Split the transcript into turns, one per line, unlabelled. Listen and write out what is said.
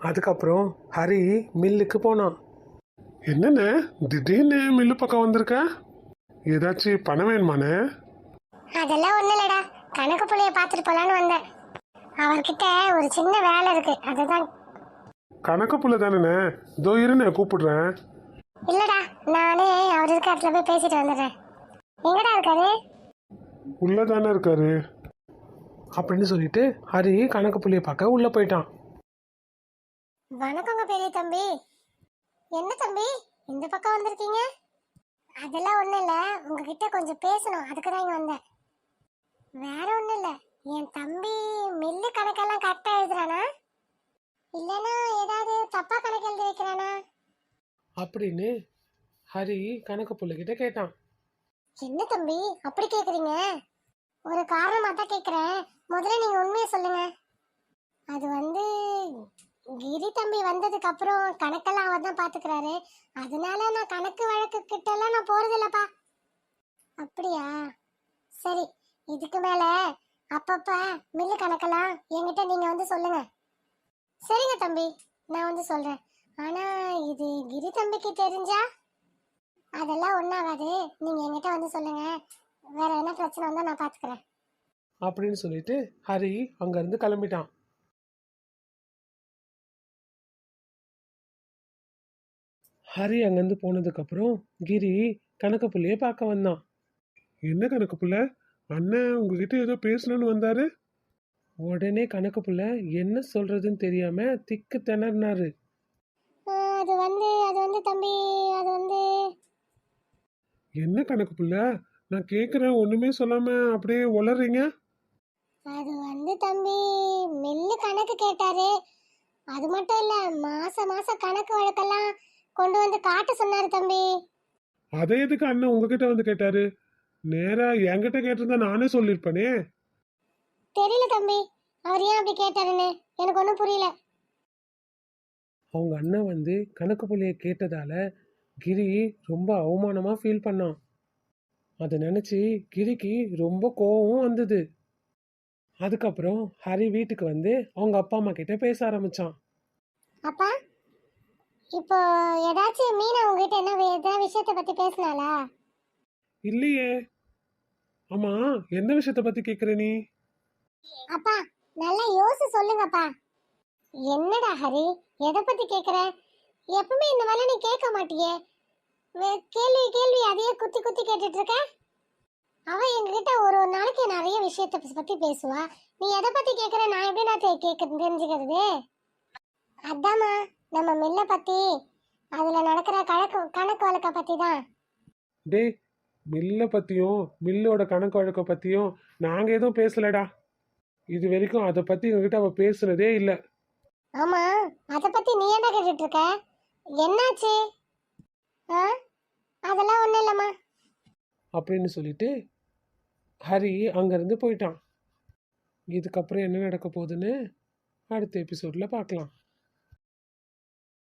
அதுக்கப்புறம் ஹரி மில்லுக்கு போனான். என்னண்ணே திடீர்னு மில்லு பக்கம் வந்திருக்க? ஏதாச்சும் பணம் வேணுமாண்ணே?
அதெல்லாம் ஒண்ணு இல்லடா, கணக்கு புள்ளைய பாத்துட்டு போலான்னு வந்தேன். அவர்கிட்ட ஒரு சின்ன வேலை இருக்கு, அதுதான்.
கணக்கு புள்ள தானேண்ணே? இதோ இருண்ணே கூப்பிடுறேன்.
இல்லடா, நானே அவர் இருக்க இடத்துல போய் பேசிட்டு வந்துடுறேன். எங்கடா இருக்காரு?
உள்ளதானே இருக்காரு அப்படின்னு சொல்லிட்டு ஹரி கணக்கு புள்ளைய பார்க்க உள்ள போயிட்டான்.
வணக்கங்க பெரிய தம்பி. என்ன தம்பி இந்த பக்கம் வந்திருக்கீங்க? அதெல்லாம் ஒண்ணும் இல்ல, உங்ககிட்ட கொஞ்சம் பேசணும், அதுக்கு தான் இங்க வந்தேன். வேற ஒண்ணும் இல்ல, என் தம்பி மில்லு கணக்கெல்லாம் கரெக்டா எழுதுறானா, இல்லனா ஏதாவது தப்பா கணக்கு எழுதி வைக்கிறானா
அப்படின்னு ஹரி கணக்கு புள்ளைகிட்ட கேட்டான்.
என்ன தம்பி அப்படி கேக்குறீங்க? ஒரு காரணமா தான் கேக்குறேன், முதல்ல நீங்க உண்மையை சொல்லுங்க. அது வந்து கிரி தம்பி வந்ததுக்கு அப்புறம் கணக்கெல்லாம் அவர் தான் பாத்துக்கிறாரு. அதனால நான் கணக்கு வழக்கு கிட்ட எல்லாம் நான் போறது இல்லப்பா. அப்படியா? சரி, இதுக்கு மேல அப்பப்ப மில்லு கணக்கெல்லாம் என்கிட்ட நீங்க வந்து சொல்லுங்க. சரிங்க தம்பி, நான் வந்து சொல்றேன். ஆனா இது கிரி தம்பிக்கு தெரிஞ்சா அதெல்லாம் ஒண்ணாகாது, நீங்க என்கிட்ட வந்து சொல்லுங்க. வேற என்ன பிரச்சனை வந்தா நான் பாத்துக்கிறேன்
அப்படின்னு சொல்லிட்டு ஹரி அங்க இருந்து கிளம்பிட்டான். ஹரி அங்கிருந்து போனதுக்கு அப்புறம் கிரி கணக்கு புள்ளைய பார்க்க வந்தான். என்ன கணக்கு புள்ள, அண்ணன் உங்ககிட்ட ஏதோ பேசணும்னு வந்தாரு? உடனே கணக்கு புள்ள என்ன சொல்றதுன்னு தெரியாம திக்கு திணறினாரு.
அது வந்து தம்பி, அது வந்து
என்ன கணக்கு புள்ள, நான் கேக்குறேன் ஒண்ணுமே சொல்லாம அப்படியே உளறீங்க.
அது வந்து தம்பி, மில்லு கணக்கு கேட்டாரு. அது மட்டும் இல்ல, மாச மாசம் கணக்கு வழக்கெல்லாம் கொண்டு வந்து காட்ட சொன்னாரு தம்பி.
அதை எதுக்கு அண்ணன் உங்ககிட்ட வந்து கேட்டாரு? நேரா என்கிட்ட கேட்டிருந்தா நானே சொல்லிருப்பேனே.
தெரியல தம்பி, அவர் ஏன் அப்படி கேட்டாருன்னு எனக்கு ஒன்றும் புரியல.
அவங்க அண்ணன் வந்து கணக்கு புள்ளைய கேட்டதால கிரி ரொம்ப அவமானமா ஃபீல் பண்ணான். அதை நினைச்சு கிரிக்கு ரொம்ப கோவம் வந்தது. அதுக்கப்புறம் ஹரி வீட்டுக்கு வந்து அவங்க அப்பா அம்மா கிட்ட பேச ஆரம்பிச்சான்.
அப்பா, இப்போ ஏதாச்சும் மீனா உங்ககிட்ட என்ன ஏதாவது விஷயத்த பத்தி பேசினாளா?
இல்லையே. ஆமா, எந்த விஷயத்த பத்தி கேக்குற நீ?
அப்பா, நல்லா யோசிச்சு சொல்லுங்கப்பா. என்னடா ஹரி, எதை பத்தி கேக்குற? எப்பவுமே இந்த வேலை நீ கேட்க மாட்டியே, கேள்வி கேள்வி அதையே குத்தி குத்தி கேட்டுட்டு இருக்க. அவ எங்ககிட்ட ஒரு ஒரு நாளைக்கு நிறைய விஷயத்தை பத்தி பேசுவா. நீ எதை பத்தி கேக்குற, நான் எப்படி நான் தெரிஞ்சுக்கிறது? அதாம்மா, நம்ம மில்ல பத்தி, அதுல நடக்கிற கணக்கு கணக்கு வழக்க பத்தி தான்.
டே, மில்ல பத்தியும் மில்லோட கணக்கு வழக்க பத்தியும் நாங்க எதுவும் பேசலடா. இது வரைக்கும் அதை பத்தி எங்ககிட்ட அவ பேசுனதே இல்ல.
ஆமா, அத பத்தி நீ என்ன கேட்டுட்டு இருக்க? என்னாச்சு? ஆ, அதெல்லாம் ஒண்ணும் இல்லம்மா.
அப்படின்னு சொல்லிட்டு ஹரி அங்கிருந்து போயிட்டான். இதுக்கப்புறம் என்ன நடக்க போகுதுன்னு அடுத்த எபிசோட்ல பார்க்கலாம்.